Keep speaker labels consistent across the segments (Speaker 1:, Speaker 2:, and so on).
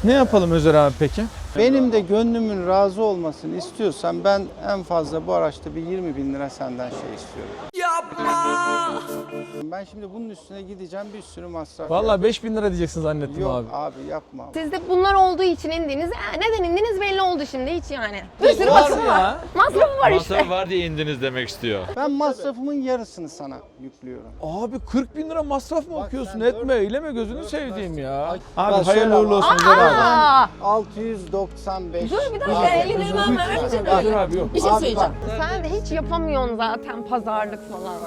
Speaker 1: Ne yapalım Özer abi peki?
Speaker 2: Benim de gönlümün razı olmasını istiyorsan ben en fazla bu araçta bir 20.000 lira senden şey istiyorum. Yapma! Ben şimdi bunun üstüne gideceğim, bir sürü masraf.
Speaker 1: Vallahi 5.000 lira diyeceksin zannettim
Speaker 2: Yok
Speaker 1: abi.
Speaker 2: abi yapma.
Speaker 3: Siz de bunlar olduğu için indiniz. Neden indiniz belli oldu şimdi hiç yani. Bir sürü
Speaker 1: Var
Speaker 3: masrafı
Speaker 1: ya.
Speaker 3: var. Masrafı var işte.
Speaker 4: Masraf var diye indiniz demek istiyor.
Speaker 2: Ben masrafımın yarısını sana yüklüyorum.
Speaker 1: Abi 40.000 lira masraf mı
Speaker 2: Bak
Speaker 1: okuyorsun?
Speaker 2: sen
Speaker 1: Etme eyleme gözünü sevdiğim ya. Abi
Speaker 2: Bak
Speaker 1: hayırlı
Speaker 2: şöyle
Speaker 1: uğurlu
Speaker 2: ama.
Speaker 1: olsun Özer abi.
Speaker 3: Aa,
Speaker 2: 695.
Speaker 3: dur bir dakika 50 lira vermeyeceğim.
Speaker 1: Özer abi yok.
Speaker 3: Bir şey
Speaker 2: Abi
Speaker 3: söyleyeceğim. Sen de hiç yapamıyorsun zaten pazarlık falan.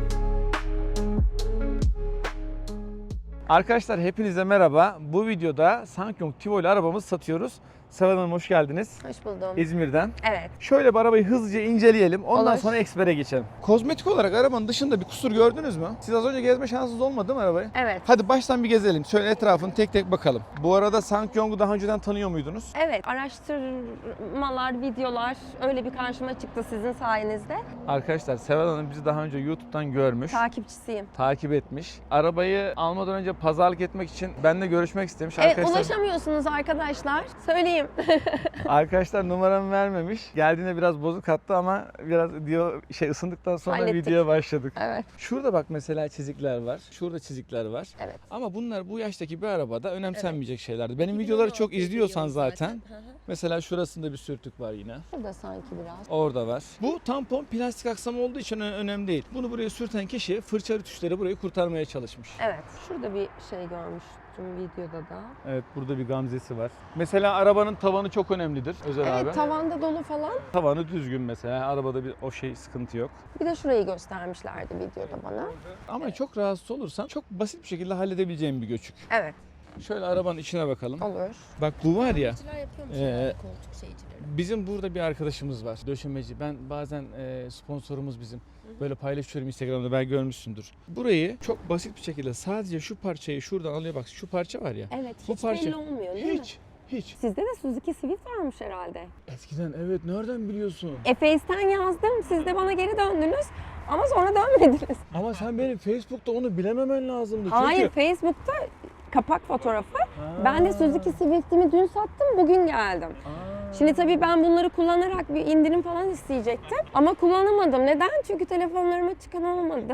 Speaker 1: Arkadaşlar hepinize merhaba. Bu videoda Sankyong Tivo ile arabamızı satıyoruz. Seval Hanım hoş geldiniz.
Speaker 3: Hoş buldum.
Speaker 1: İzmir'den.
Speaker 3: Evet.
Speaker 1: Şöyle bir arabayı hızlıca inceleyelim. Ondan
Speaker 3: Olur.
Speaker 1: sonra ekspere geçelim. Kozmetik olarak arabanın dışında bir kusur gördünüz mü? Siz az önce gezme şansınız olmadı mı arabayı?
Speaker 3: Evet.
Speaker 1: Hadi baştan bir gezelim. Şöyle etrafını tek tek bakalım. Bu arada Sankyong'u daha önceden tanıyor muydunuz?
Speaker 3: Evet. Araştırmalar, videolar öyle bir karşıma çıktı sizin sayenizde.
Speaker 1: Arkadaşlar Seval Hanım bizi daha önce YouTube'dan görmüş.
Speaker 3: Takipçisiyim.
Speaker 1: Takip etmiş. Arabayı almadan önce pazarlık etmek için benimle görüşmek istemiş.
Speaker 3: Evet, ulaşamıyorsunuz arkadaşlar. Söyleyeyim.
Speaker 1: Arkadaşlar numaramı vermemiş. Geldiğinde biraz bozuk attı ama biraz diyor ısındıktan sonra
Speaker 3: Hallettik.
Speaker 1: videoya başladık.
Speaker 3: Evet.
Speaker 1: Şurada bak mesela çizikler var. Şurada çizikler var.
Speaker 3: Evet.
Speaker 1: Ama bunlar bu yaştaki bir arabada önemsenmeyecek şeylerdi. Benim videoları çok izliyorsan zaten. Mesela şurasında bir sürtük var yine.
Speaker 3: Burada sanki biraz.
Speaker 1: Orada var. Bu tampon plastik aksam olduğu için önemli değil. Bunu buraya sürten kişi fırça rütüşleri burayı kurtarmaya çalışmış.
Speaker 3: Evet. Şurada bir şey görmüştüm videoda da.
Speaker 1: Evet, burada bir gamzesi var. Mesela arabanın tavanı çok önemlidir Özer abi.
Speaker 3: Evet, tavanda dolu falan.
Speaker 1: Tavanı düzgün mesela. Arabada bir o sıkıntı yok.
Speaker 3: Bir de şurayı göstermişlerdi videoda bana.
Speaker 1: Ama çok rahatsız olursan çok basit bir şekilde halledebileceğim bir göçük.
Speaker 3: Evet.
Speaker 1: Şöyle arabanın içine bakalım.
Speaker 3: Olur.
Speaker 1: Bak bu var ya.
Speaker 3: Yapıyormuş koltuk şeycileri.
Speaker 1: Bizim burada bir arkadaşımız var. Döşemeci. Ben bazen sponsorumuz bizim. Böyle paylaşıyorum Instagram'da, belki görmüşsündür. Burayı çok basit bir şekilde sadece şu parçayı şuradan alıyor. Bak şu parça var ya.
Speaker 3: Evet,
Speaker 1: Bu
Speaker 3: hiç
Speaker 1: parça
Speaker 3: belli olmuyor değil mi?
Speaker 1: Hiç.
Speaker 3: Sizde de Suzuki Swift varmış herhalde.
Speaker 1: Eskiden evet, nereden biliyorsun?
Speaker 3: Face'ten yazdım, siz de bana geri döndünüz ama sonra dönmediniz.
Speaker 1: Ama sen benim Facebook'ta onu bilememen lazımdı.
Speaker 3: Hayır,
Speaker 1: Çünkü...
Speaker 3: Facebook'ta kapak fotoğrafı. Ben de Suzuki Swift'imi dün sattım, bugün geldim. Şimdi tabii ben bunları kullanarak bir indirim falan isteyecektim ama kullanamadım. Neden? Çünkü telefonlarıma çıkan olmadı.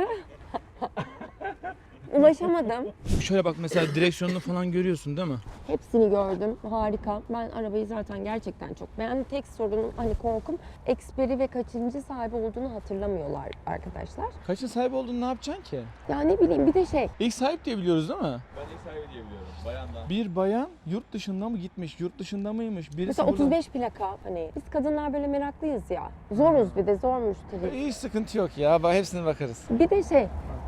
Speaker 3: Ulaşamadım.
Speaker 1: Şöyle bak mesela direksiyonunu falan görüyorsun değil mi?
Speaker 3: Hepsini gördüm. Harika. Ben arabayı zaten gerçekten çok beğendim. Tek sorunum hani korkum eksperi ve kaçıncı sahibi olduğunu hatırlamıyorlar arkadaşlar.
Speaker 1: Kaçın sahibi olduğunu ne yapacaksın ki?
Speaker 3: Ya ne bileyim bir de şey.
Speaker 1: İlk sahip diye biliyoruz değil mi?
Speaker 4: Ben ilk sahibi diye biliyorum. Bayandan.
Speaker 1: Bir bayan yurt dışında mı gitmiş, yurt dışında mıymış? Birisi
Speaker 3: Mesela
Speaker 1: burada...
Speaker 3: 35 plaka hani biz kadınlar böyle meraklıyız ya. Zoruz bir de zor müşteri.
Speaker 1: Hiç sıkıntı yok ya. Bak hepsine bakarız.
Speaker 3: Bir de şey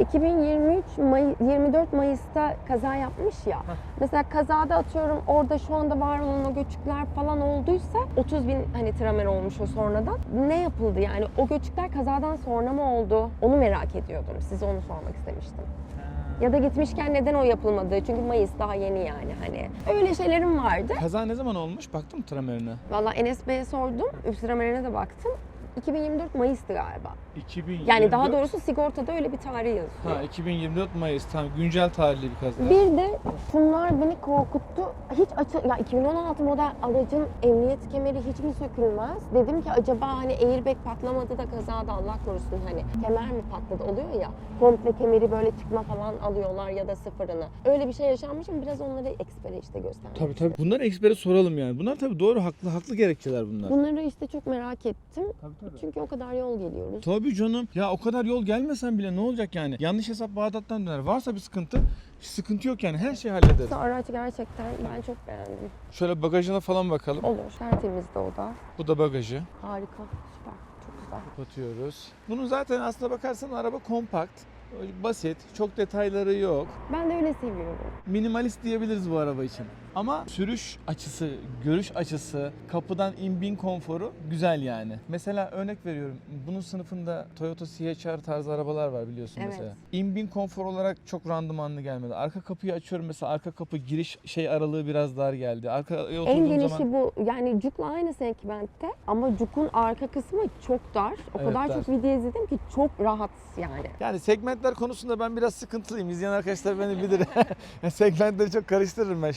Speaker 3: 24 Mayıs'ta kaza yapmış ya. Mesela kazada atıyorum orada şu anda var olan o göçükler falan olduysa 30.000 hani tramer olmuş o sonradan. Ne yapıldı yani o göçükler kazadan sonra mı oldu? Onu merak ediyordum. Size onu sormak istemiştim. Ya da gitmişken neden o yapılmadı? Çünkü Mayıs daha yeni yani hani. Öyle şeylerim vardı.
Speaker 1: Kaza ne zaman olmuş? Baktın mı tramerine?
Speaker 3: Vallahi Enes Bey'e sordum. Tramerine de baktım. 2024 Mayıs'tı galiba.
Speaker 1: 2024.
Speaker 3: Yani daha doğrusu sigortada öyle bir tarih yazıyor.
Speaker 1: Ha, 2024 Mayıs. Tamam, güncel tarihli bir kaza.
Speaker 3: Bir de şunlar beni korkuttu. Hiç ya 2016 model aracın emniyet kemeri hiç mi sökülmez? Dedim ki acaba hani airbag patlamadı da kazada Allah korusun hani kemer mi patladı oluyor ya. Komple kemeri böyle çıkma falan alıyorlar ya da sıfırını. Öyle bir şey yaşanmışım. Biraz onları ekspere işte göstermek
Speaker 1: Tabii. Bunları ekspere soralım yani. Bunlar tabii doğru, haklı gerekçeler bunlar.
Speaker 3: Bunları işte çok merak ettim.
Speaker 1: Tabii.
Speaker 3: Çünkü o kadar yol geliyoruz.
Speaker 1: Tabii canım. Ya o kadar yol gelmesen bile ne olacak yani? Yanlış hesap Bağdat'tan döner. Varsa bir sıkıntı yok yani. Her şeyi hallederiz.
Speaker 3: Bu araç gerçekten ben çok beğendim.
Speaker 1: Şöyle bagajına falan bakalım.
Speaker 3: Olur. Tertemizdi o da.
Speaker 1: Bu da bagajı.
Speaker 3: Harika. Süper. Çok güzel.
Speaker 1: Kapatıyoruz. Bunun zaten aslına bakarsan araba kompakt. Basit. Çok detayları yok.
Speaker 3: Ben de öyle seviyorum.
Speaker 1: Minimalist diyebiliriz bu araba için. Ama sürüş açısı, görüş açısı, kapıdan in-bin konforu güzel yani. Mesela örnek veriyorum. Bunun sınıfında Toyota CHR tarzı arabalar var biliyorsun
Speaker 3: Evet.
Speaker 1: mesela. In-bin konfor olarak çok randımanlı gelmedi. Arka kapıyı açıyorum mesela, arka kapı giriş aralığı biraz dar geldi. Arkaya oturduğum
Speaker 3: En genişi
Speaker 1: zaman...
Speaker 3: bu. Yani Juke'la aynı segmentte ama Juke'un arka kısmı çok dar. O
Speaker 1: Evet,
Speaker 3: kadar
Speaker 1: dar.
Speaker 3: çok video izledim ki çok rahat yani.
Speaker 1: Yani segmentler konusunda ben biraz sıkıntılıyım. İzleyen arkadaşlar beni bilir. Segmentleri çok karıştırırım ben, şey yapamam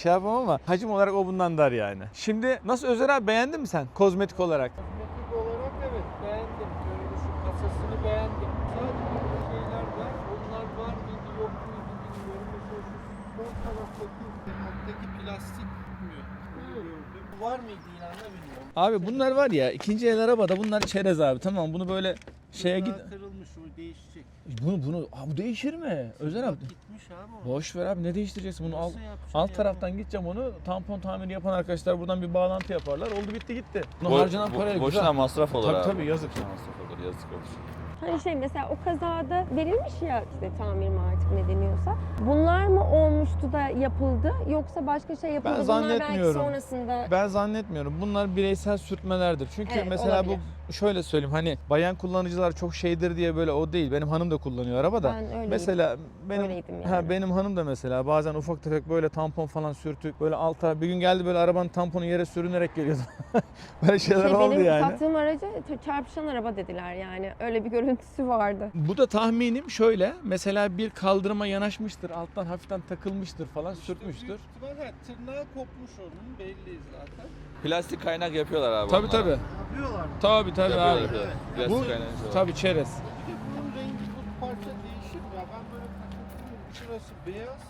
Speaker 1: ama hacim olarak o bundan dar yani. Şimdi nasıl Özer abi, beğendin mi sen kozmetik olarak?
Speaker 2: Kozmetik olarak evet beğendim. Böyle şu kasasını beğendim. Sadece böyle şeyler var. Onlar var mıydı yok muydu bilmiyorum. Mesela şu sol taraftaki alttaki plastik mi? Onu gördüm. Var mıydı ilanda bilmiyorum.
Speaker 1: Abi bunlar var ya, ikinci el arabada bunlar çerez abi, tamam, bunu böyle şeye git.
Speaker 2: Bunlar kırılmış, o değişecek.
Speaker 1: Bu değişir mi? Özer abi.
Speaker 2: Gitmiş abi o.
Speaker 1: Boş ver abi, ne değiştireceksin bunu, al.
Speaker 2: Nasıl yapacaksın
Speaker 1: Alt
Speaker 2: ya?
Speaker 1: taraftan gideceğim onu, tampon tamiri yapan arkadaşlar buradan bir bağlantı yaparlar. Oldu bitti gitti. Buna
Speaker 4: Bo-
Speaker 1: harcanan parayla
Speaker 4: boşuna
Speaker 1: güzel.
Speaker 4: masraf olur
Speaker 1: Tabii
Speaker 4: abi.
Speaker 1: tabii, yazık.
Speaker 4: Boşuna masraf olur, yazık olur.
Speaker 3: Hani şey mesela o kazada verilmiş ya işte tamir mi artık ne deniyorsa. Bunlar mı olmuştu da yapıldı yoksa başka şey yapıldı?
Speaker 1: Ben
Speaker 3: Bunlar belki
Speaker 1: zannetmiyorum.
Speaker 3: sonrasında
Speaker 1: Ben zannetmiyorum. Bunlar bireysel sürtmelerdir. Çünkü
Speaker 3: Evet,
Speaker 1: mesela
Speaker 3: olabilir.
Speaker 1: bu şöyle söyleyeyim, hani bayan kullanıcılar çok şeydir diye böyle o değil. Benim hanım da kullanıyor arabada.
Speaker 3: Ben öyleydim.
Speaker 1: Mesela benim
Speaker 3: Öyleydim yani.
Speaker 1: benim hanım da mesela bazen ufak tefek böyle tampon falan sürtük. Böyle alta bir gün geldi, böyle arabanın tamponu yere sürünerek geliyordu. Böyle şeyler oldu
Speaker 3: benim
Speaker 1: yani.
Speaker 3: sattığım araca çarpışan araba dediler yani. Öyle bir görüntüsü vardı.
Speaker 1: Bu da tahminim şöyle. Mesela bir kaldırıma yanaşmıştır, alttan hafiften takılmıştır falan, sürtmüştür.
Speaker 2: Büyük ihtimalle tırnağı kopmuş onun, belli zaten.
Speaker 4: Plastik kaynak yapıyorlar abi.
Speaker 1: Tabii
Speaker 4: onlara.
Speaker 1: tabii.
Speaker 2: Yapıyorlar.
Speaker 1: Tabii tabii
Speaker 4: Yapıyorlar,
Speaker 1: abi.
Speaker 4: yapıyorlar.
Speaker 1: Bu
Speaker 4: Plastik kaynak yapıyorlar.
Speaker 1: tabii çerez.
Speaker 2: Bir de bunun rengi, bu parça değişir ya. Ben böyle takıldım. Şurası beyaz.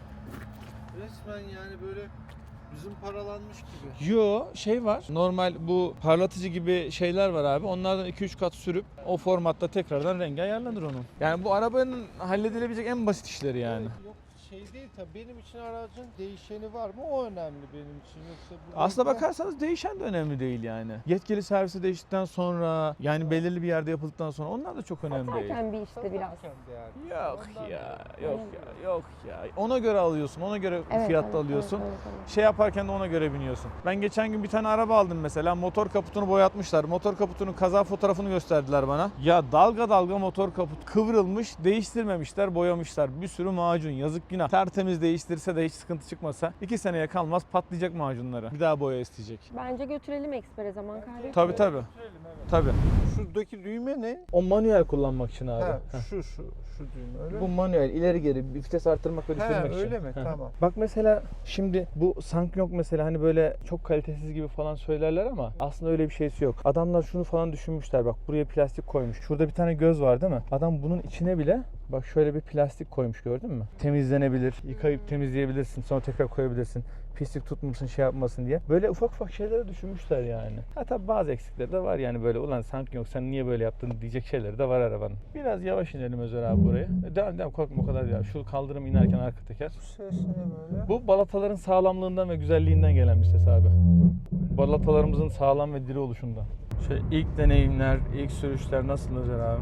Speaker 2: Resmen yani böyle bizim paralanmış gibi.
Speaker 1: Yo, şey var. Normal bu parlatıcı gibi şeyler var abi. Onlardan 2-3 kat sürüp o formatta tekrardan rengi ayarlanır onun. Yani bu arabanın halledilebilecek en basit işleri yani.
Speaker 2: Yok şey değil tabii, benim için aracın değişeni var mı, o önemli benim için. Yoksa bu
Speaker 1: Aslına
Speaker 2: renkler-
Speaker 1: bakarsanız değişen de önemli değil yani. Yetkili servise değiştikten sonra, yani belirli bir yerde yapıldıktan sonra onlar da çok önemli değil.
Speaker 3: Satarken bir işte biraz.
Speaker 2: Satarken de yani.
Speaker 1: Yok
Speaker 2: Ondan
Speaker 1: ya,
Speaker 2: dolayı.
Speaker 1: yok ya, yok ya. Ona göre alıyorsun, ona göre fiyatta
Speaker 3: evet,
Speaker 1: alıyorsun.
Speaker 3: evet.
Speaker 1: Şey yaparken de ona göre biniyorsun. Ben geçen gün bir tane araba aldım mesela. Motor kaputunu boyatmışlar. Motor kaputunun kaza fotoğrafını gösterdiler bana. Ya dalga dalga motor kaput kıvrılmış, değiştirmemişler, boyamışlar. Bir sürü macun, yazık günah. Tertemiz değiştirse de hiç sıkıntı çıkmasa 2 seneye kalmaz patlayacak macunları. Bir daha boya isteyecek.
Speaker 3: Bence götürelim ekspere, zaman kaybetmeyelim.
Speaker 1: Tabii tabii. Tabii.
Speaker 2: Şuradaki düğme ne?
Speaker 1: O manuel kullanmak için abi.
Speaker 2: Ha, şu düğme öyle
Speaker 1: Bu
Speaker 2: mi?
Speaker 1: manuel, ileri geri bir vites arttırmak ve düşürmek için.
Speaker 2: öyle mi?
Speaker 1: Hı hı.
Speaker 2: Tamam.
Speaker 1: Bak mesela şimdi bu Sankyong mesela hani böyle çok kalitesiz gibi falan söylerler ama aslında öyle bir şeysi yok. Adamlar şunu falan düşünmüşler, bak buraya plastik koymuş. Şurada bir tane göz var değil mi? Adam bunun içine bile bak şöyle bir plastik koymuş, gördün mü? Temizlenebilir, yıkayıp temizleyebilirsin, sonra tekrar koyabilirsin. Pislik tutmasın, şey yapmasın diye. Böyle ufak ufak şeyleri düşünmüşler yani. Ha tabi bazı eksikleri de var yani, böyle ulan Sankyong sen niye böyle yaptın diyecek şeyleri de var arabanın. Biraz yavaş inelim Özer abi buraya. Devam korkma, o kadar ya. Şu kaldırım inerken arka teker.
Speaker 2: Bu ses ne böyle?
Speaker 1: Bu balataların sağlamlığından ve güzelliğinden gelen bir ses abi. Balatalarımızın sağlam ve diri oluşundan. İlk deneyimler, ilk sürüşler nasıl Özer abi?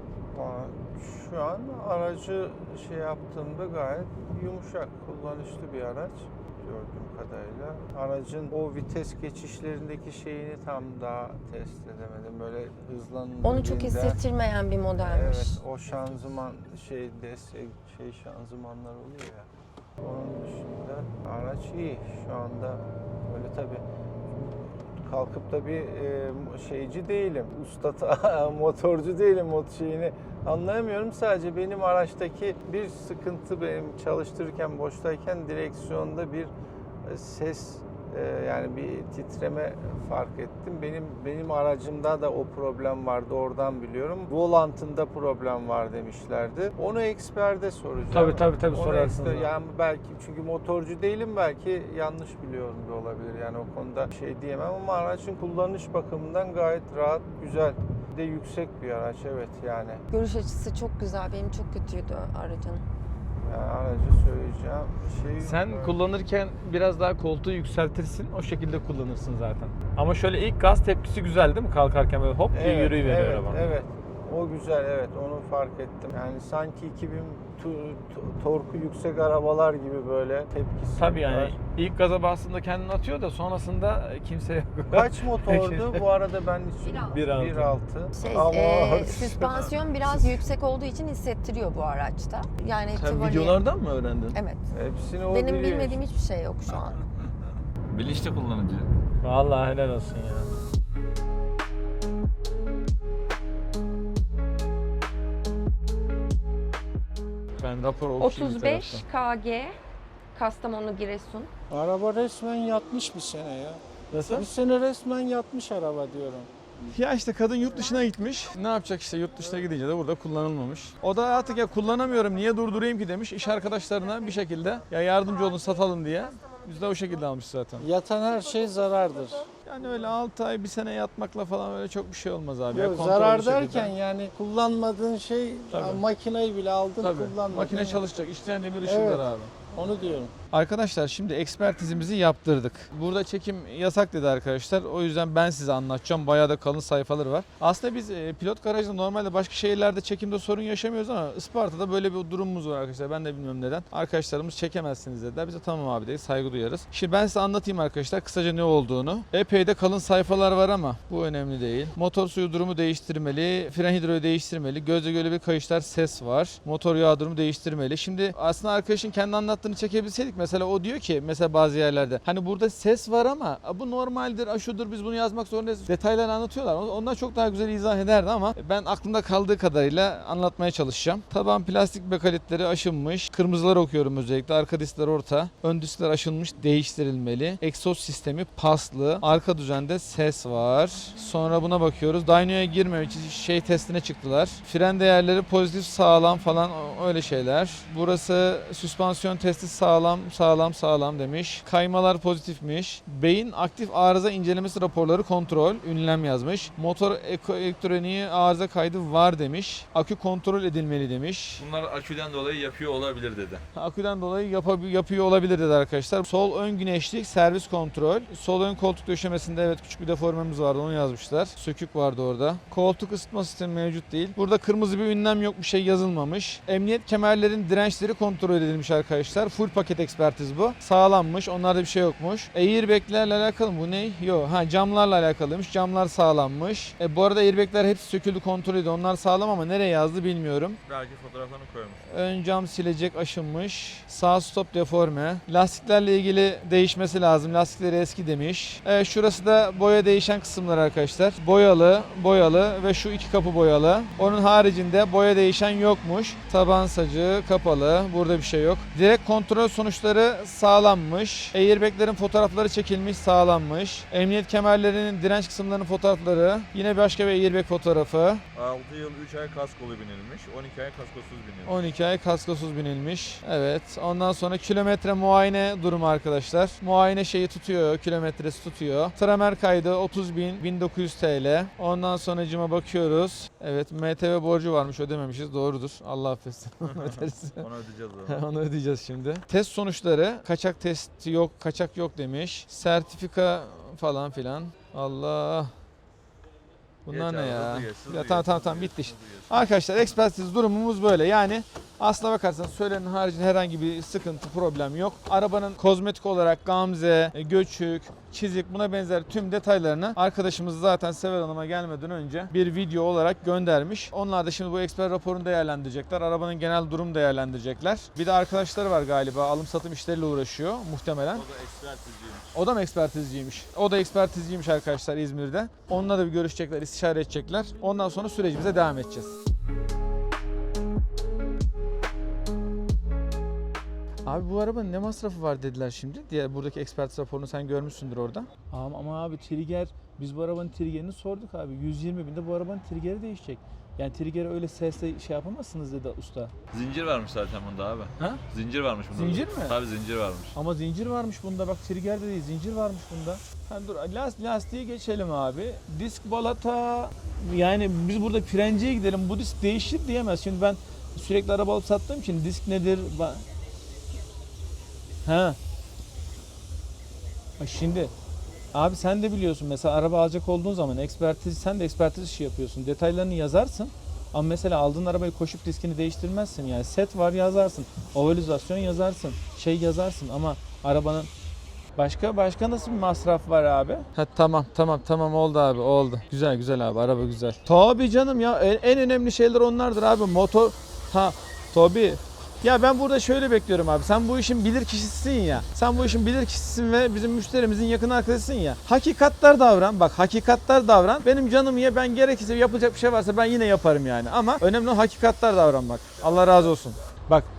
Speaker 2: Şu an aracı şey yaptığımda gayet yumuşak, kullanışlı bir araç gördüğüm kadarıyla. Aracın o vites geçişlerindeki şeyini tam daha test edemedim. Böyle hızlandığında...
Speaker 3: Onu çok hissettirmeyen bir modelmiş.
Speaker 2: Evet, o şanzıman şey şanzımanlar oluyor ya. Onun dışında araç iyi. Şu anda böyle tabii kalkıp da bir şeyci değilim. Usta motorcu değilim. Şeyini anlayamıyorum. Sadece benim araçtaki bir sıkıntı, benim çalıştırırken boştayken direksiyonda bir ses, yani bir titreme fark ettim. Benim aracımda da o problem vardı, oradan biliyorum. Volantında problem var demişlerdi. Onu eksperde soracağım.
Speaker 1: Tabii
Speaker 2: Onu
Speaker 1: sorarsınız.
Speaker 2: yani belki, çünkü motorcu değilim, belki yanlış biliyorum da olabilir. Yani o konuda şey diyemem ama aracın kullanış bakımından gayet rahat, güzel. Bir de yüksek bir araç, evet yani.
Speaker 3: Görüş açısı çok güzel. Benim çok kötüydü aracın.
Speaker 2: Yani aracı söyleyeceğim şey...
Speaker 1: Sen kullanırken biraz daha koltuğu yükseltirsin, o şekilde kullanırsın zaten. Ama şöyle ilk gaz tepkisi güzel değil mi? Kalkarken böyle hop diye yürüyüveriyor
Speaker 2: evet,
Speaker 1: araba.
Speaker 2: Evet, o güzel, evet, onu fark ettim. Yani sanki 2000 torku yüksek arabalar gibi böyle tepkisi
Speaker 1: Tabii yani
Speaker 2: var.
Speaker 1: ilk gaza bastığında kendini atıyor da sonrasında kimse yok.
Speaker 2: Kaç motordu? Bu arada ben hiç...
Speaker 1: 1.6.
Speaker 2: 1.6.
Speaker 3: Süspansiyon biraz yüksek olduğu için hissettiriyor bu araçta. Yani
Speaker 1: Sen
Speaker 3: Tivoli-
Speaker 1: videolardan mı öğrendin?
Speaker 3: Evet.
Speaker 2: Hepsini o
Speaker 3: Benim
Speaker 2: biliyor.
Speaker 3: bilmediğim hiçbir şey yok şu an.
Speaker 4: Bilinçli kullanıcı.
Speaker 1: Vallahi helal olsun ya. Ben rapor okuyayım bir
Speaker 3: 35
Speaker 1: taraftan.
Speaker 3: kg Kastamonu, Giresun.
Speaker 2: Araba resmen yatmış bir sene ya.
Speaker 1: Nasıl?
Speaker 2: Bir sene resmen yatmış araba diyorum.
Speaker 1: Ya işte kadın yurt dışına gitmiş. Ne yapacak işte yurt dışına gidince de burada kullanılmamış. O da artık ya kullanamıyorum niye durdurayım ki demiş. İş arkadaşlarına bir şekilde ya yardımcı olun satalım diye. Biz de o şekilde almış zaten.
Speaker 2: Yatan her şey zarardır.
Speaker 1: Yani öyle 6 ay bir sene yatmakla falan öyle çok bir şey olmaz abi.
Speaker 2: Yok,
Speaker 1: Ya kontrollü
Speaker 2: zarar
Speaker 1: şekilde.
Speaker 2: derken yani kullanmadığın şey,
Speaker 1: Tabii.
Speaker 2: makineyi bile aldın
Speaker 1: Tabii.
Speaker 2: kullanmadın.
Speaker 1: Makine çalışacak. İşleyen demir ışıklar
Speaker 2: Evet.
Speaker 1: abi.
Speaker 2: Onu diyorum.
Speaker 1: Arkadaşlar şimdi ekspertizimizi yaptırdık. Burada çekim yasak dedi arkadaşlar. O yüzden ben size anlatacağım. Bayağı da kalın sayfaları var. Aslında biz pilot garajda normalde başka şehirlerde çekimde sorun yaşamıyoruz ama Isparta'da böyle bir durumumuz var arkadaşlar. Ben de bilmiyorum neden. Arkadaşlarımız çekemezsiniz dediler. Biz de tamam abi dedik. Saygı duyarız. Şimdi ben size anlatayım arkadaşlar kısaca ne olduğunu. Epey de kalın sayfalar var ama bu önemli değil. Motor suyu durumu değiştirmeli. Fren hidroyu değiştirmeli. Gözle göre bir kayışlar ses var. Motor yağ durumu değiştirmeli. Şimdi aslında arkadaşın kendi anlattığını çekebilseydik mesela o diyor ki mesela bazı yerlerde hani burada ses var ama bu normaldir, aşudur biz bunu yazmak zorundayız. Detaylarını anlatıyorlar. Onlar çok daha güzel izah ederdi ama ben aklımda kaldığı kadarıyla anlatmaya çalışacağım. Taban plastik bekalitleri aşınmış. Kırmızıları okuyorum özellikle. Arka diskler orta. Ön diskler aşınmış, değiştirilmeli. Egzoz sistemi paslı. Arka düzende ses var. Sonra buna bakıyoruz. Dyno'ya girmemek için şey testine çıktılar. Fren değerleri pozitif, sağlam falan öyle şeyler. Burası süspansiyon testi sağlam demiş. Kaymalar pozitifmiş. Beyin aktif arıza incelemesi raporları kontrol. Ünlem yazmış. Motor elektroniği arıza kaydı var demiş. Akü kontrol edilmeli demiş.
Speaker 4: Bunlar aküden dolayı yapıyor olabilir dedi.
Speaker 1: Aküden dolayı yapıyor olabilir dedi arkadaşlar. Sol ön güneşlik servis kontrol. Sol ön koltuk döşemesinde evet küçük bir deformemiz vardı onu yazmışlar. Sökük vardı orada. Koltuk ısıtma sistemi mevcut değil. Burada kırmızı bir ünlem yok bir şey yazılmamış. Emniyet kemerlerin dirençleri kontrol edilmiş arkadaşlar. Full paket ekspertiz bu. Sağlammış. Onlarda bir şey yokmuş. Airbag'lerle alakalı mı? Bu ne? Yok. Camlarla alakalıymış. Camlar sağlammış. Bu arada airbag'ler hepsi söküldü kontrol edildi. Onlar sağlam ama nereye yazdı bilmiyorum.
Speaker 4: Belki fotoğraflarını koymuş.
Speaker 1: Ön cam silecek aşınmış. Sağ stop deforme. Lastiklerle ilgili değişmesi lazım. Lastikleri eski demiş. Şurası da boya değişen kısımlar arkadaşlar. Boyalı ve şu iki kapı boyalı. Onun haricinde boya değişen yokmuş. Taban sacı kapalı. Burada bir şey yok. Direkt kontrol sonuçları sağlammış. Airbag'lerin fotoğrafları çekilmiş sağlammış. Emniyet kemerlerinin direnç kısımlarının fotoğrafları. Yine başka bir airbag fotoğrafı.
Speaker 4: 6 yıl 3 ay kaskolu binilmiş. 12 ay kaskosuz binilmiş.
Speaker 1: 12 ay kaskosuz binilmiş. Evet. Ondan sonra kilometre muayene durumu arkadaşlar. Muayene şeyi tutuyor. Kilometresi tutuyor. Tramer kaydı 30.1900 TL. Ondan sonracıma bakıyoruz. Evet. MTV borcu varmış. Ödememişiz. Doğrudur. Allah affetsin. Öderiz.
Speaker 4: Onu ödeyeceğiz o.
Speaker 1: Onu ödeyeceğiz şimdi. Test sonuçları kaçak testi yok, kaçak yok demiş. Sertifika falan filan. Allah. Bunlar
Speaker 4: Geç
Speaker 1: ne
Speaker 4: abi,
Speaker 1: ya?
Speaker 4: hızlı geç, hızlı
Speaker 1: Ya
Speaker 4: geç,
Speaker 1: tamam
Speaker 4: hızlı
Speaker 1: bitti
Speaker 4: geç,
Speaker 1: işte.
Speaker 4: hızlı geç.
Speaker 1: Arkadaşlar ekspertiz durumumuz böyle. Yani aslına bakarsanız söylenenin haricinde herhangi bir sıkıntı, problem yok. Arabanın kozmetik olarak gamze, göçük, çizik buna benzer tüm detaylarını arkadaşımız zaten Sever Hanım'a gelmeden önce bir video olarak göndermiş. Onlar da şimdi bu eksper raporunu değerlendirecekler. Arabanın genel durum değerlendirecekler. Bir de arkadaşları var galiba alım satım işleriyle uğraşıyor muhtemelen.
Speaker 4: O da ekspertizciymiş.
Speaker 1: O da mı ekspertizciymiş? O da ekspertizciymiş arkadaşlar İzmir'de. Onunla da bir görüşecekler, istişare edecekler. Ondan sonra sürecimize devam edeceğiz. Abi bu arabanın ne masrafı var dediler şimdi. Diğer buradaki ekspertiz raporunu sen görmüşsündür orada.
Speaker 5: Ama abi trigger, biz bu arabanın triggerini sorduk abi. 120 binde bu arabanın triggeri değişecek. Yani triggeri öyle sesle şey yapamazsınız dedi usta.
Speaker 4: Zincir varmış zaten bunda abi.
Speaker 5: Ha?
Speaker 4: Zincir varmış bunda.
Speaker 5: Zincir mi?
Speaker 4: Tabii zincir varmış.
Speaker 5: Ama zincir varmış bunda, bak trigger de değil, zincir varmış bunda.
Speaker 1: Ha dur lastiği geçelim abi. Disk balata yani biz burada frenciye gidelim bu disk değişir diyemez. Şimdi ben sürekli araba alıp sattığım için disk nedir? Ha. Şimdi abi sen de biliyorsun mesela araba alacak olduğun zaman sen de ekspertiz işi yapıyorsun. Detaylarını yazarsın. Ama mesela aldığın arabayı koşup diskini değiştirmezsin. Yani set var yazarsın. Ovalizasyon yazarsın. Şey yazarsın ama arabanın başka nasıl bir masraf var abi? Ha, tamam oldu abi oldu. Güzel abi araba güzel. Tabii canım ya en önemli şeyler onlardır abi. Motor tabii. Ya ben burada şöyle bekliyorum abi. Sen bu işin bilir kişisisin ya. Sen bu işin bilir kişisisin ve bizim müşterimizin yakın arkadaşısın ya. Hakikatler davran. Bak hakikatler davran. Benim canım ye ben gerekirse yapılacak bir şey varsa ben yine yaparım yani. Ama önemli olan hakikatler davranmak. Allah razı olsun. Bak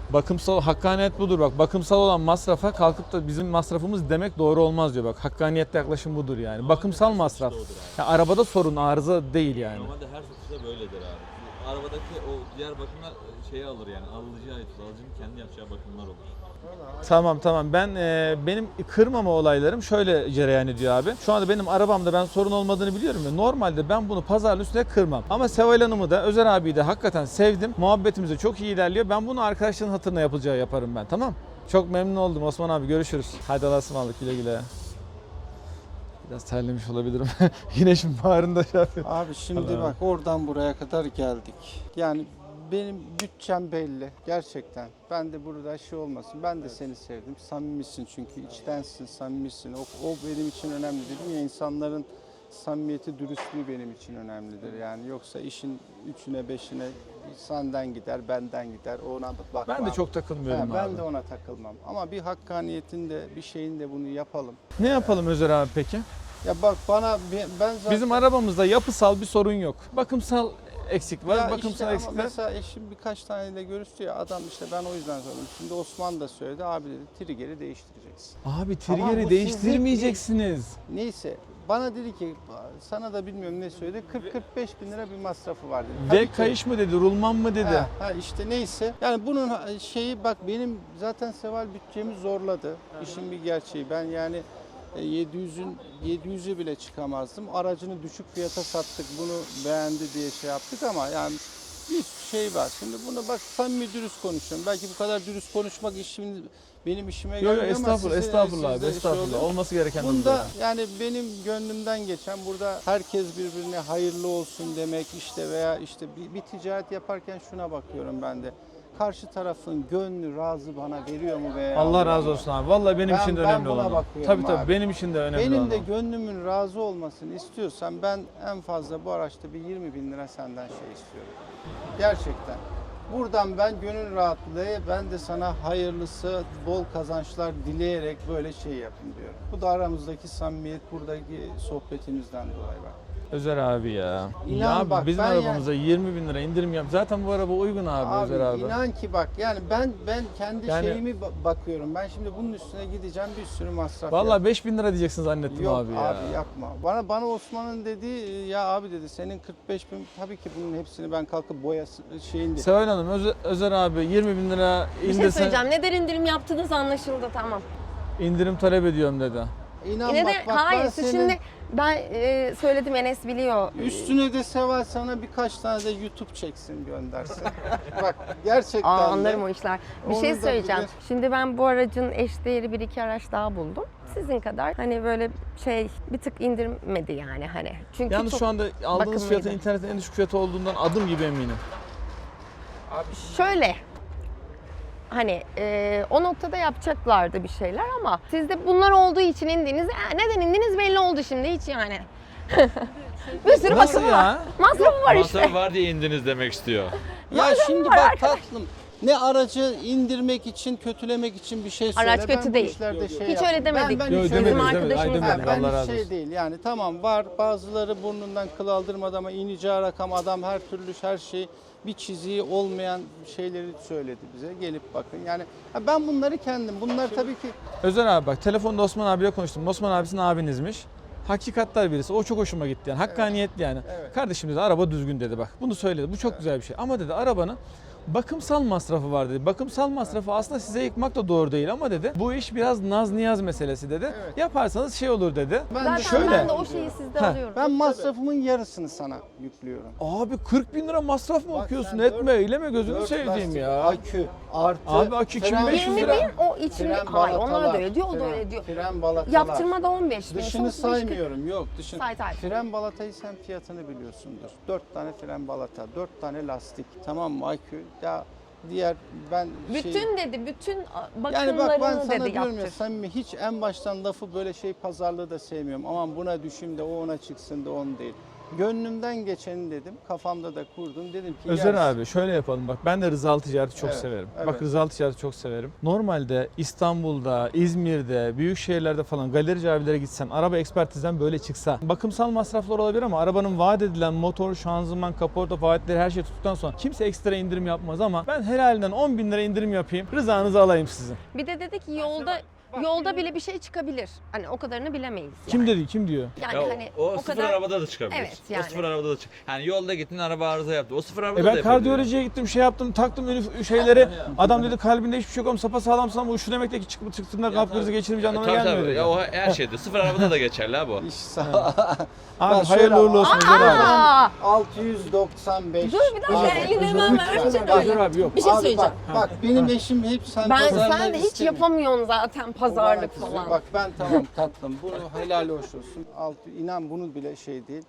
Speaker 1: Bakımsal, hakkaniyet budur bak. Bakımsal olan masrafa kalkıp da bizim masrafımız demek doğru olmaz diyor bak. Hakkaniyetli yaklaşım budur yani. Bakımsal masraf. Ya arabada sorun, arıza değil yani.
Speaker 4: Normalde her satışta böyledir abi. Arabadaki o diğer bakımlar şeyi alır yani. Alıcıya ait. Alıcının kendi yapacağı bakımlar olur.
Speaker 1: Tamam. Benim kırmama olaylarım şöyle cereyan ediyor abi. Şu anda benim arabamda ben sorun olmadığını biliyorum ya. Normalde ben bunu pazarın üstüne kırmam. Ama Seval Hanım'ı da Özer abiyi de hakikaten sevdim. Muhabbetimiz de çok iyi ilerliyor. Ben bunu arkadaşların hatırına yapacağı yaparım ben, tamam? Çok memnun oldum Osman abi, görüşürüz. Hadi Allah'a ısmarladık, güle güle. Biraz terlemiş olabilirim. Güneşin bağrında şey yapıyor.
Speaker 2: Abi şimdi
Speaker 1: Allah.
Speaker 2: bak oradan buraya kadar geldik. Yani benim bütçem belli gerçekten. Ben de burada şey olmasın. Ben de seni sevdim. Samimisin çünkü içtensin, samimisin. O benim için önemli dedim ya, insanların samimiyeti, dürüstlüğü benim için önemlidir. Yani yoksa işin üçüne beşine senden gider, benden gider. Ona bakma.
Speaker 1: Ben de çok takılmıyorum abi.
Speaker 2: Ben de ona takılmam. Ama bir hakkaniyetin de bir şeyin de bunu yapalım.
Speaker 1: Ne yapalım Özer abi peki?
Speaker 2: Ya bak bana ben zaten...
Speaker 1: Bizim arabamızda yapısal bir sorun yok. Bakımsal eksik var.
Speaker 2: Ya
Speaker 1: Bakımsal
Speaker 2: işte ama
Speaker 1: eksikler.
Speaker 2: mesela eşim birkaç taneyle görüştü ya, adam işte ben o yüzden sordum. Şimdi Osman da söyledi, abi dedi trigger'i değiştireceksin.
Speaker 1: Abi
Speaker 2: Ama bu
Speaker 1: trigger'i
Speaker 2: sizin-
Speaker 1: değiştirmeyeceksiniz.
Speaker 2: Neyse bana dedi ki, sana da bilmiyorum ne söyledi, 40-45 bin lira bir masrafı var dedi.
Speaker 1: Ve
Speaker 2: Tabii ki-
Speaker 1: kayış mı dedi, rulman mı dedi.
Speaker 2: Ha işte neyse. Yani bunun şeyi bak, benim zaten Seval bütçemi zorladı. İşin bir gerçeği. Ben yani 700'ü bile çıkamazdım. Aracını düşük fiyata sattık. Bunu beğendi diye şey yaptık ama yani bir şey var. Şimdi bunu bak, samimi dürüst konuşuyorum. Belki bu kadar dürüst konuşmak benim işime
Speaker 1: Yok
Speaker 2: gelmiyor ama
Speaker 1: estağfurullah abi,
Speaker 2: sizde şey
Speaker 1: estağfurullah.
Speaker 2: oluyor.
Speaker 1: Olması gereken de bu
Speaker 2: Bunda
Speaker 1: zaten.
Speaker 2: yani benim gönlümden geçen, burada herkes birbirine hayırlı olsun demek işte, veya işte bir ticaret yaparken şuna bakıyorum ben de. Karşı tarafın gönlü razı bana veriyor mu veya
Speaker 1: Allah razı olsun abi. Vallahi benim
Speaker 2: Ben-
Speaker 1: için de
Speaker 2: ben
Speaker 1: önemli
Speaker 2: buna
Speaker 1: olan. o.
Speaker 2: bakıyorum
Speaker 1: Tabii
Speaker 2: abi.
Speaker 1: benim için de önemli
Speaker 2: benim
Speaker 1: olan.
Speaker 2: de
Speaker 1: o.
Speaker 2: gönlümün razı olmasını istiyorsan ben en fazla bu araçta bir 20 bin lira senden şey istiyorum. Gerçekten. Buradan ben gönül rahatlığı, ben de sana hayırlısı, bol kazançlar dileyerek böyle şey yapın diyorum. Bu da aramızdaki samimiyet, buradaki sohbetimizden dolayı bak.
Speaker 1: Özer abi ya.
Speaker 2: İnan
Speaker 1: Ya abi
Speaker 2: bak,
Speaker 1: bizim
Speaker 2: ben
Speaker 1: arabamıza 20 bin lira indirim yap. Zaten bu araba uygun abi, Özer abi.
Speaker 2: inan ki bak, yani ben kendi
Speaker 1: Yani-
Speaker 2: şeyimi bakıyorum. Ben şimdi bunun üstüne gideceğim, bir sürü masraf
Speaker 1: Vallahi 5 bin lira diyeceksin zannettim
Speaker 2: Yok
Speaker 1: abi ya.
Speaker 2: yapma. Bana Osman'ın dediği, ya abi dedi senin 45 bin, tabii ki bunun hepsini ben kalkıp şeyinde.
Speaker 1: Seval Hanım, Özer abi 20 bin lira
Speaker 3: Bir şey
Speaker 1: indirsen
Speaker 3: söyleyeceğim. Neden indirim yaptınız anlaşıldı, tamam.
Speaker 1: indirim talep ediyorum dedi.
Speaker 2: İnan
Speaker 3: Yine de
Speaker 2: bak,
Speaker 3: hayır,
Speaker 2: ben
Speaker 3: siz
Speaker 2: senin
Speaker 3: şimdi ben söyledim, Enes biliyor.
Speaker 2: üstüne de Seval sana birkaç tane de YouTube çeksin, göndersin. Bak gerçekten de.
Speaker 3: Anlarım o işler. Bir
Speaker 2: Onu
Speaker 3: şey
Speaker 2: da
Speaker 3: söyleyeceğim.
Speaker 2: bilir.
Speaker 3: Şimdi ben bu aracın eşdeğeri bir iki araç daha buldum. Sizin kadar hani böyle bir tık indirmedi yani hani. Çünkü
Speaker 1: Yalnız
Speaker 3: çok
Speaker 1: şu anda aldığınız
Speaker 3: bakımlıydı.
Speaker 1: fiyatın internetin en düşük fiyatı olduğundan adım gibi eminim.
Speaker 3: Şöyle hani o noktada yapacaklardı bir şeyler ama sizde bunlar olduğu için indiniz. Neden indiniz belli oldu şimdi hiç yani. Bir sürü
Speaker 1: Nasıl
Speaker 3: bakımı var.
Speaker 1: ya?
Speaker 3: Masrafı var işte.
Speaker 4: Masrafı var diye indiniz demek istiyor.
Speaker 2: Ya şimdi bak tatlım, ne aracı indirmek için, kötülemek için bir şey söyle.
Speaker 3: Araç kötü
Speaker 2: ben bu
Speaker 3: değil.
Speaker 2: işlerde şey
Speaker 3: Hiç
Speaker 2: yapmam.
Speaker 3: öyle demedik.
Speaker 2: Ben
Speaker 1: Yok,
Speaker 2: hiç
Speaker 1: demedik,
Speaker 2: öyle
Speaker 3: Bizim
Speaker 1: demedik. Ay,
Speaker 3: arkadaşımız
Speaker 1: demedik.
Speaker 3: var.
Speaker 2: Ben
Speaker 1: Allah razı
Speaker 2: şey
Speaker 1: olsun.
Speaker 2: değil yani, tamam var, bazıları burnundan kıl aldırmadı ama ineceği rakam, adam her türlü her şey, bir çiziği olmayan şeyleri söyledi bize, gelip bakın yani ben bunları kendim, bunlar tabii ki
Speaker 1: Özer abi bak, telefonda Osman abiyle konuştum. Osman abisinin abinizmiş. Hakikatler birisi. O çok hoşuma gitti yani. Hakkaniyetli yani.
Speaker 2: Evet.
Speaker 1: Kardeşim dedi araba düzgün dedi bak. Bunu söyledi. Bu çok güzel bir şey. Ama dedi arabanın bakımsal masrafı var dedi. Bakımsal masrafı aslında size yıkmak da doğru değil ama dedi. Bu iş biraz naz niyaz meselesi dedi.
Speaker 2: Evet.
Speaker 1: Yaparsanız şey olur dedi.
Speaker 3: Zaten
Speaker 1: Şöyle.
Speaker 3: ben de o şeyi sizde
Speaker 1: Ha.
Speaker 3: alıyorum.
Speaker 2: ben masrafımın yarısını sana yüklüyorum.
Speaker 1: Abi 40 bin lira masraf mı
Speaker 2: Bak
Speaker 1: okuyorsun?
Speaker 2: sen
Speaker 1: Etme
Speaker 2: dört-
Speaker 1: eyleme gözünü
Speaker 2: 4
Speaker 1: sevdiğim
Speaker 2: lastik,
Speaker 1: ya.
Speaker 2: Akü artı.
Speaker 1: Abi akü
Speaker 2: fren-
Speaker 1: 2500
Speaker 3: 20
Speaker 1: lira.
Speaker 3: bin o içinde.
Speaker 2: Fren
Speaker 3: Hayır onlar da
Speaker 2: balatalar,
Speaker 3: öyle diyor, o da
Speaker 2: fren-
Speaker 3: öyle diyor.
Speaker 2: Fren balatalar.
Speaker 3: Yaptırmada 15 bin.
Speaker 2: Dışını
Speaker 3: sonra 45 bin.
Speaker 2: saymıyorum, yok dışını.
Speaker 3: Say.
Speaker 2: Fren balatayı sen fiyatını biliyorsundur. 4 tane fren balata, 4 tane lastik, tamam mı akü? Ya diğer ben
Speaker 3: Bütün dedi, bütün
Speaker 2: yani bak ben
Speaker 3: bakımlarını
Speaker 2: sana
Speaker 3: dedi
Speaker 2: diyorum ya,
Speaker 3: yaptır.
Speaker 2: samimi hiç en baştan lafı böyle şey pazarlığı da sevmiyorum. Aman buna düşeyim de o ona çıksın da on değil. Gönlümden geçeni dedim. Kafamda da kurdum. Dedim ki
Speaker 1: Özer
Speaker 2: ya-
Speaker 1: abi şöyle yapalım bak, ben de rızalı ticareti çok
Speaker 2: Evet,
Speaker 1: severim.
Speaker 2: evet.
Speaker 1: Bak rızalı ticareti çok severim. Normalde İstanbul'da, İzmir'de, büyük şehirlerde falan galerici abilere gitsen, araba ekspertizden böyle çıksa, bakımsal masraflar olabilir ama arabanın vaat edilen motor, şanzıman, kaporta, faaliyetleri her şey tuttuktan sonra kimse ekstra indirim yapmaz ama ben helalinden 10 bin lira indirim yapayım, rızanızı alayım sizin.
Speaker 3: Bir de dedi ki yolda bile bir şey çıkabilir. Hani o kadarını bilemeyiz.
Speaker 1: Kim
Speaker 3: yani.
Speaker 1: dedi, kim diyor?
Speaker 3: Yani
Speaker 4: Ya
Speaker 3: hani
Speaker 4: o sıfır
Speaker 3: kadar
Speaker 4: arabada da çıkabilir.
Speaker 3: Evet, yani.
Speaker 4: O sıfır arabada da çık. Yani yolda gittin araba arıza yaptı. O sıfır arabada da
Speaker 1: Ben
Speaker 4: yapabilir.
Speaker 1: kardiyolojiye gittim, şey yaptım, taktım şeyleri. Adam dedi kalbinde hiçbir şey yok ama sapasağlamsın ama şu demek de ki çıktığında kalp krizi geçirmeyeceği anlamına
Speaker 4: Tabii
Speaker 1: gelmiyor
Speaker 4: tabii.
Speaker 1: dedi.
Speaker 4: Ya o her şeyde. Sıfır arabada da geçerli ha bu.
Speaker 2: İş sağ
Speaker 1: Abi
Speaker 2: Bak şöyle-
Speaker 1: hayırlı uğurlu olsun Özer abi.
Speaker 3: Aa!
Speaker 2: 695.
Speaker 3: Dur bir dakika,
Speaker 2: Abi,
Speaker 3: elini hemen
Speaker 2: lütfen.
Speaker 3: versene
Speaker 2: Bak,
Speaker 3: öyle.
Speaker 1: abi yok.
Speaker 3: Bir şey
Speaker 2: abi
Speaker 3: söyleyeceğim.
Speaker 2: bak benim eşim hep sen
Speaker 3: Sen
Speaker 2: pazarlar
Speaker 3: de hiç
Speaker 2: istemiyor.
Speaker 3: yapamıyorsun zaten pazarlık
Speaker 2: Ulan
Speaker 3: falan.
Speaker 2: Bak ben tamam tatlım. Bunu helal hoş olsun. İnan bunu bile şey değil.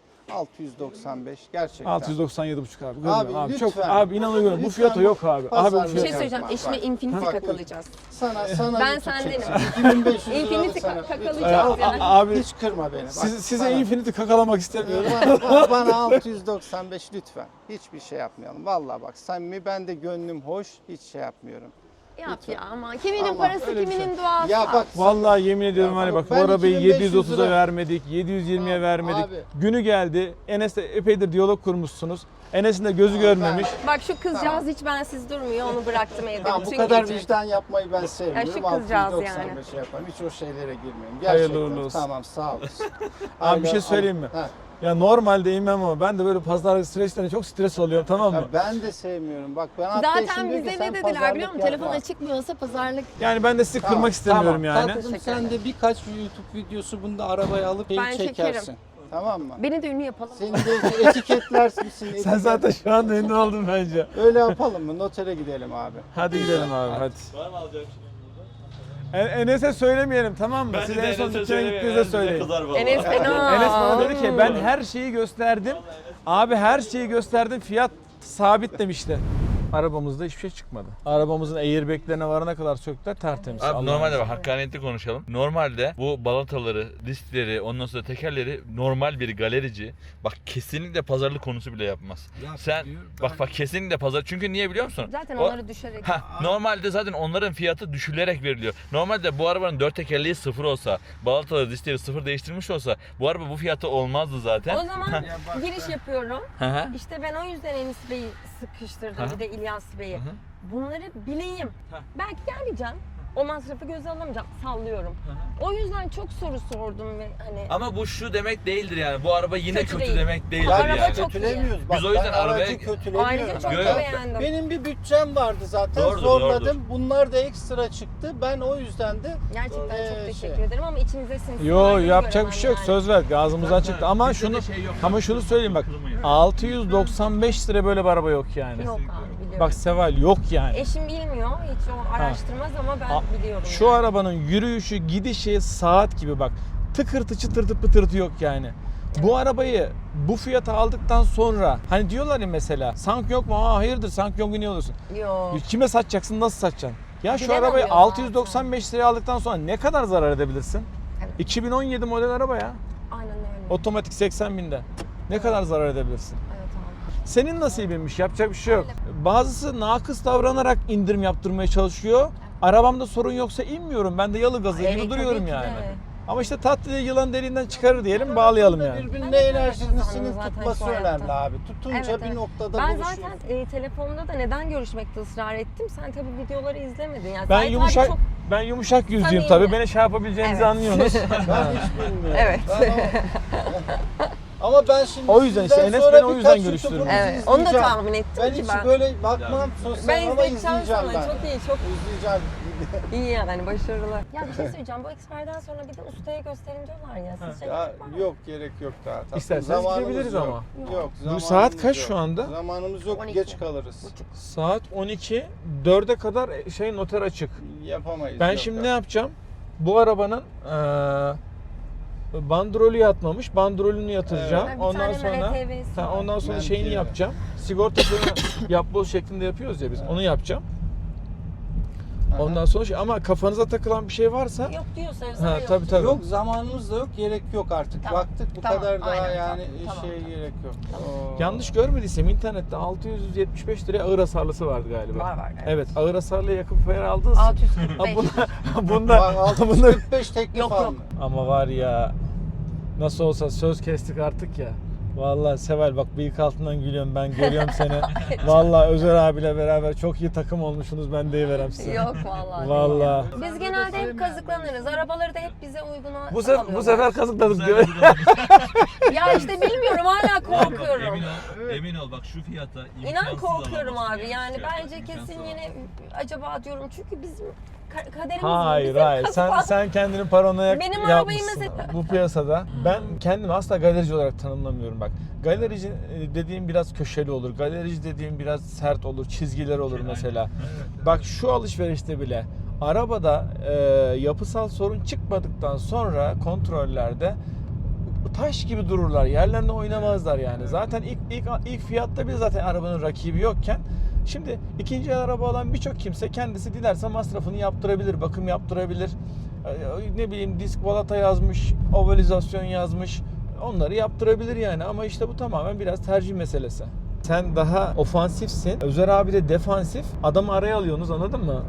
Speaker 2: 695 gerçekten.
Speaker 1: 697,5 abi.
Speaker 2: Abi,
Speaker 1: Görmüyorum abi.
Speaker 2: lütfen.
Speaker 1: Çok abi inanıyorum. Bu
Speaker 2: Lütfen
Speaker 1: fiyata yok abi. Abi bu
Speaker 2: pazarlık
Speaker 3: Bir şey
Speaker 1: fiyata.
Speaker 3: söyleyeceğim.
Speaker 2: Bak,
Speaker 3: Eşime
Speaker 2: bak.
Speaker 3: Infinity
Speaker 2: Bak,
Speaker 3: kakalayacağız.
Speaker 2: Sana
Speaker 3: Ben
Speaker 2: YouTube
Speaker 3: sendenim.
Speaker 2: çekeceğim. 2500 lira
Speaker 3: Infinity
Speaker 2: sana.
Speaker 3: kakalayacağız
Speaker 2: Lütfen.
Speaker 3: yani.
Speaker 1: Abi
Speaker 2: Hiç kırma beni. Bak,
Speaker 1: size
Speaker 2: bana-
Speaker 1: Infinity kakalamak istemiyorum.
Speaker 2: bana 695 lütfen. Hiçbir şey yapmayalım. Vallahi bak samimi ben de gönlüm hoş. Hiç şey yapmıyorum.
Speaker 3: Yap
Speaker 2: Lütfen.
Speaker 3: ya ama kiminin
Speaker 2: Ama
Speaker 3: parası
Speaker 1: öyle bir
Speaker 3: kiminin duası.
Speaker 2: Ya bak
Speaker 1: Vallahi yemin ediyorum
Speaker 2: Ya
Speaker 1: hani bak bu
Speaker 2: ben
Speaker 1: arabayı
Speaker 2: 2500
Speaker 1: 730'a
Speaker 2: lira-
Speaker 1: vermedik, 720'ye
Speaker 2: Abi,
Speaker 1: vermedik.
Speaker 2: abi.
Speaker 1: Günü geldi. Enes'le epeydir diyalog kurmuşsunuz. Enes'in de gözü
Speaker 2: Abi,
Speaker 1: görmemiş.
Speaker 3: Bak şu kızcağız hiç bensiz durmuyor. Onu bıraktım evde
Speaker 2: tamam, bu
Speaker 3: bütün
Speaker 2: kadar
Speaker 3: gece.
Speaker 2: vicdan yapmayı ben sevmiyorum.
Speaker 3: Ya şu kızcağız
Speaker 2: 695 şey yaparım. Hiç o şeylere girmeyeyim.
Speaker 1: Hayırlı
Speaker 2: Gerçekten.
Speaker 1: uğurlu olsun.
Speaker 2: Tamam sağ olasın.
Speaker 1: Abi bir şey
Speaker 2: Aynen,
Speaker 1: söyleyeyim mi?
Speaker 2: Ha.
Speaker 1: Ya normalde inmem ama ben de böyle pazarlık süreçlerinde çok stres oluyorum, tamam mı?
Speaker 2: Ya ben de sevmiyorum. Bak ben hatta
Speaker 3: Zaten
Speaker 2: eşim diyor ki,
Speaker 3: bize
Speaker 2: sen
Speaker 3: ne dediler
Speaker 2: pazarlık
Speaker 3: biliyor musun?
Speaker 2: yapma.
Speaker 3: Telefon açıkmıyorsa pazarlık.
Speaker 1: Yani ben de sizi kırmak istemiyorum
Speaker 2: tamam.
Speaker 1: yani.
Speaker 2: Tatlım sen de birkaç YouTube videosu bunda arabaya alıp
Speaker 3: Ben
Speaker 2: çekersin.
Speaker 3: çekerim.
Speaker 2: Tamam mı?
Speaker 3: Beni de ünlü yapalım.
Speaker 2: Seni de etiketlersin.
Speaker 1: Sen zaten şu anda ünlü oldun bence.
Speaker 2: Öyle yapalım mı? Notere gidelim abi.
Speaker 1: Hadi gidelim abi hadi.
Speaker 4: Var mı alacağım şey yanınızda?
Speaker 1: Enes'e söylemeyelim tamam mı? Siz en son dükkana gittiğinizde söyleyin.
Speaker 3: Enes fena.
Speaker 1: Enes bana dedi ki ben her şeyi gösterdim. Abi her şeyi gösterdim, fiyat sabit demişti. Arabamızda hiçbir şey çıkmadı. Arabamızın airbag'lerine varana kadar söktüler, tertemiz.
Speaker 4: Abi
Speaker 1: Allah'ın
Speaker 4: normalde
Speaker 1: izniyle.
Speaker 4: bak hakkaniyetli konuşalım. Normalde bu balataları, diskleri, ondan sonra tekerleri normal bir galerici bak kesinlikle pazarlık konusu bile yapmaz. Sen bak kesinlikle pazar. Çünkü niye biliyor musun?
Speaker 3: Zaten
Speaker 4: O-
Speaker 3: onları düşerek.
Speaker 4: Normalde zaten onların fiyatı düşülerek veriliyor. Normalde bu arabanın 4 tekerleği sıfır olsa, balataları, diskleri sıfır değiştirmiş olsa bu araba bu fiyatı olmazdı zaten.
Speaker 3: O zaman giriş yapıyorum.
Speaker 4: Hı hı.
Speaker 3: İşte ben o yüzden Enis Bey'i sıkıştırdım.
Speaker 4: Hı.
Speaker 3: Bir de İlyas Bey'i.
Speaker 4: Hı hı.
Speaker 3: Bunları bileyim.
Speaker 4: Hı.
Speaker 3: Belki gelmeyeceğim. O masrafı göze alamayacağım. Sallıyorum. O yüzden çok soru sordum ve hani
Speaker 4: Ama bu şu demek değildir yani. Bu araba yine
Speaker 3: Kötü
Speaker 4: kötü,
Speaker 3: değil.
Speaker 4: demek değildir
Speaker 3: Araba
Speaker 4: yani.
Speaker 3: çok
Speaker 2: Kötülemiyoruz.
Speaker 4: Biz o yüzden
Speaker 2: ben aracı
Speaker 4: arabaya-
Speaker 2: kötülemiyorum.
Speaker 3: ayrıca çok
Speaker 4: Yo,
Speaker 3: da
Speaker 4: yo.
Speaker 3: beğendim.
Speaker 2: Benim bir bütçem vardı zaten.
Speaker 4: Doğrudur,
Speaker 2: Zorladım.
Speaker 4: doğrudur.
Speaker 2: Bunlar da ekstra çıktı. Ben o yüzden de
Speaker 3: Gerçekten çok
Speaker 2: şey.
Speaker 3: teşekkür ederim ama içinize sinsin.
Speaker 1: Yo yapacak bir şey yok, söz verdik, ağzımızdan çıktı ama
Speaker 4: Bizde de
Speaker 1: şunu
Speaker 4: şey yok.
Speaker 1: ama şunu söyleyeyim bak,
Speaker 4: Kızmayın.
Speaker 1: 695 lira böyle bir araba yok yani.
Speaker 3: Yok abi biliyorum.
Speaker 1: Bak Seval yok yani.
Speaker 3: Eşim bilmiyor. Hiç o araştırmaz ama ben biliyorum.
Speaker 1: Şu
Speaker 3: yani.
Speaker 1: arabanın yürüyüşü, gidişi saat gibi bak. Tıkırtı çıtırtı pıtırtı yok yani. Bu arabayı bu fiyata aldıktan sonra hani diyorlar ya mesela sank yok mu? Aa hayırdır sank yok niye alıyorsun?
Speaker 3: Yok.
Speaker 1: Kime satacaksın, nasıl satacaksın? Ya şu
Speaker 3: Bilen
Speaker 1: arabayı
Speaker 3: alıyor
Speaker 1: 695 liraya aldıktan sonra ne kadar zarar edebilirsin?
Speaker 3: Evet.
Speaker 1: 2017 model araba ya.
Speaker 3: Aynen öyle.
Speaker 1: Otomatik 80 binde. Ne kadar zarar edebilirsin?
Speaker 3: Evet abi.
Speaker 1: Senin nasibinmiş, yapacak bir şey yok. Bazısı nakıs davranarak indirim yaptırmaya çalışıyor. Arabamda sorun yoksa inmiyorum. Ben de yalı gazı gibi
Speaker 3: Evet,
Speaker 1: duruyorum
Speaker 3: tabii ki
Speaker 1: yani.
Speaker 3: de.
Speaker 1: Ama işte tatlı yılan deliğinden çıkarır diyelim, bağlayalım yani.
Speaker 2: birbirine
Speaker 3: Ben de
Speaker 2: enerjisinin
Speaker 3: zaten
Speaker 2: tutması
Speaker 3: şu hayatta.
Speaker 2: önemli abi. Tutunca
Speaker 3: Evet,
Speaker 2: bir
Speaker 3: evet.
Speaker 2: noktada
Speaker 3: Ben
Speaker 2: buluşuyor.
Speaker 3: zaten telefonda da neden görüşmekte ısrar ettim? Sen tabii videoları izlemedin. Yani
Speaker 1: Ben
Speaker 3: Zahit
Speaker 1: yumuşak
Speaker 3: abi çok...
Speaker 1: ben yumuşak yüzlüyüm
Speaker 3: Samimi.
Speaker 1: tabii. Beni şey yapabileceğinizi
Speaker 3: Evet.
Speaker 1: anlıyorsunuz.
Speaker 2: Ben hiç bilmiyorum.
Speaker 3: Evet.
Speaker 2: Ama ben şimdi
Speaker 1: O yüzden işte
Speaker 2: sizden
Speaker 1: Enes
Speaker 2: sonra
Speaker 1: beni o yüzden
Speaker 2: birkaç
Speaker 1: görüştürdü.
Speaker 2: YouTube'unuzu
Speaker 3: Evet, onu da
Speaker 2: izleyeceğim.
Speaker 3: tahmin ettim
Speaker 2: Ben
Speaker 3: ki
Speaker 2: hiç
Speaker 3: ben.
Speaker 2: böyle bakmam sosyal
Speaker 3: Ben
Speaker 2: ama
Speaker 3: izleyeceğim
Speaker 2: izleyeceğim
Speaker 3: sana.
Speaker 2: ben.
Speaker 3: Çok iyi, çok
Speaker 2: İzleyeceğim.
Speaker 3: iyi yani başarılı. Ya bir şey söyleyeceğim. Bu Expert'den sonra bir de ustaya gösterin diyorlar ya. Sizce
Speaker 2: Ya,
Speaker 3: gerek var mı?
Speaker 2: yok gerek yok daha. Tatlım.
Speaker 1: İsterseniz
Speaker 2: Zamanımız
Speaker 1: gidebiliriz
Speaker 2: yok.
Speaker 1: ama.
Speaker 2: Yok.
Speaker 1: Bu
Speaker 2: zamanımız
Speaker 1: saat kaç
Speaker 2: yok.
Speaker 1: şu anda?
Speaker 2: Zamanımız yok
Speaker 3: 12.
Speaker 2: geç kalırız.
Speaker 1: Saat 12. 4'e kadar noter açık.
Speaker 2: Yapamayız.
Speaker 1: Ben
Speaker 2: yok
Speaker 1: şimdi
Speaker 2: ya.
Speaker 1: ne yapacağım? Bu arabanın bandrolü yatmamış. Bandrolünü yatıracağım.
Speaker 3: Ha, bir
Speaker 1: Ondan
Speaker 3: tane
Speaker 1: sonra
Speaker 3: MHTV'si var.
Speaker 1: ondan sonra
Speaker 2: Ben
Speaker 1: şeyini
Speaker 2: de-
Speaker 1: yapacağım. Sigortasını yapboz şeklinde yapıyoruz ya biz. Onu yapacağım. Ondan sonra ama kafanıza takılan bir şey varsa
Speaker 3: Yok diyorsanız
Speaker 1: ha,
Speaker 3: yok.
Speaker 1: tabii.
Speaker 2: Yok, zamanımız da yok, gerek yok artık.
Speaker 3: Tamam,
Speaker 2: Baktık bu
Speaker 3: tamam,
Speaker 2: kadar daha
Speaker 3: aynen,
Speaker 2: yani
Speaker 3: tamam,
Speaker 2: şeye gerek yok.
Speaker 1: Yanlış görmediysem internette 675 liraya ağır hasarlısı vardı galiba.
Speaker 3: Var.
Speaker 1: Evet, ağır hasarlı yakıp fayar aldınız.
Speaker 3: 645.
Speaker 1: Bunda
Speaker 2: Bak 645 teklif
Speaker 3: Yok,
Speaker 2: aldım.
Speaker 1: ama var ya, nasıl olsa söz kestik artık ya. Vallahi Seval bak bıyık altından gülüyorum, ben görüyorum seni. Vallahi Özer abiyle beraber çok iyi takım olmuşsunuz, ben deyiverem size.
Speaker 3: Yok vallahi.
Speaker 1: Vallahi.
Speaker 3: Biz genelde hep kazıklanırız. Arabaları da hep bize uyguna
Speaker 1: Bu sefer kazıkladık diyor.
Speaker 3: Ya işte bilmiyorum, hala korkuyorum.
Speaker 4: Emin ol bak şu fiyata
Speaker 3: İnan korkuyorum abi. Yani bence kesin yine acaba diyorum, çünkü bizim kaderimiz
Speaker 1: Hayır
Speaker 3: bizim
Speaker 1: hayır, sen kendini paranoyak
Speaker 3: Benim arabayı
Speaker 1: yapmışsın
Speaker 3: mesela-
Speaker 1: bu piyasada. Ben kendimi asla galerici olarak tanımlamıyorum bak. Galerici dediğim biraz köşeli olur. Galerici dediğim biraz sert olur, çizgiler olur mesela. Bak şu alışverişte bile arabada yapısal sorun çıkmadıktan sonra kontrollerde taş gibi dururlar. Yerlerinde oynamazlar yani. Zaten ilk fiyatta bile zaten arabanın rakibi yokken, şimdi ikinci el araba alan birçok kimse kendisi dilerse masrafını yaptırabilir, bakım yaptırabilir. Ne bileyim, disk balata yazmış, ovalizasyon yazmış. Onları yaptırabilir yani, ama işte bu tamamen biraz tercih meselesi. Sen daha ofansifsin. Özer abi de defansif. Adamı araya alıyorsunuz, anladın mı?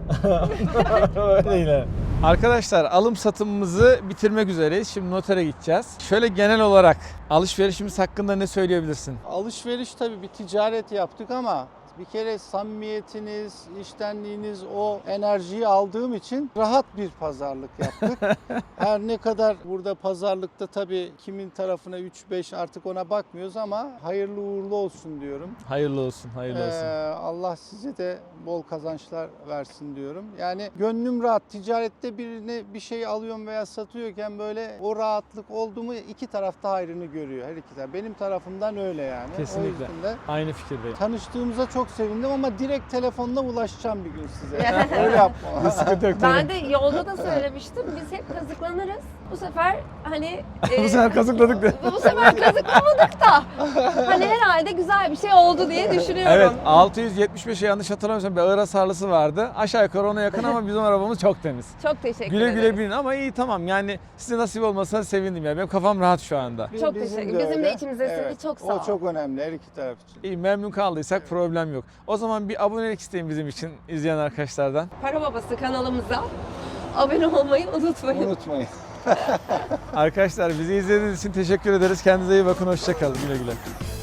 Speaker 1: Öyle. Arkadaşlar, alım satımımızı bitirmek üzereyiz. Şimdi notere gideceğiz. Şöyle genel olarak alışverişimiz hakkında ne söyleyebilirsin?
Speaker 2: Alışveriş tabii bir ticaret yaptık ama bir kere samimiyetiniz, içtenliğiniz, o enerjiyi aldığım için rahat bir pazarlık yaptık. Her ne kadar burada pazarlıkta tabii kimin tarafına 3-5 artık ona bakmıyoruz ama hayırlı uğurlu olsun diyorum.
Speaker 1: Hayırlı olsun, hayırlı olsun.
Speaker 2: Allah size de bol kazançlar versin diyorum. Yani gönlüm rahat. Ticarette birine bir şey alıyorum veya satıyorken böyle o rahatlık oldu mu iki tarafta hayrını görüyor, her iki taraf. Benim tarafımdan öyle yani.
Speaker 1: Kesinlikle.
Speaker 2: O yüzden de
Speaker 1: Aynı fikirdeyim.
Speaker 2: tanıştığımıza çok sevindim ama direkt telefonla ulaşacağım bir gün size. Öyle yapma.
Speaker 1: Sıkıntı yok.
Speaker 3: Ben de yolda da söylemiştim. Biz hep kazıklanırız. Bu sefer hani
Speaker 1: Bu sefer kazıkladık de.
Speaker 3: bu sefer kazıklamadık da hani herhalde güzel bir şey oldu diye düşünüyorum.
Speaker 1: Evet, 675'e yanlış hatırlamıyorsam bir ağır hasarlısı vardı. Aşağı yukarı ona yakın ama bizim arabamız çok temiz.
Speaker 3: Çok teşekkür
Speaker 1: Güle
Speaker 3: ederim.
Speaker 1: güle binin ama iyi, tamam yani size nasip olmasa sevindim ya. Benim kafam rahat şu anda.
Speaker 3: Çok teşekkür. Bizim de içimizdesin. Çok sağ ol.
Speaker 2: O çok önemli her iki taraf için.
Speaker 1: İyi, memnun kaldıysak problem yok. O zaman bir abonelik isteyin bizim için izleyen arkadaşlardan.
Speaker 3: Para Babası kanalımıza abone olmayı unutmayın.
Speaker 2: Unutmayın.
Speaker 1: Arkadaşlar, bizi izlediğiniz için teşekkür ederiz. Kendinize iyi bakın. Hoşça kalın. Güle güle.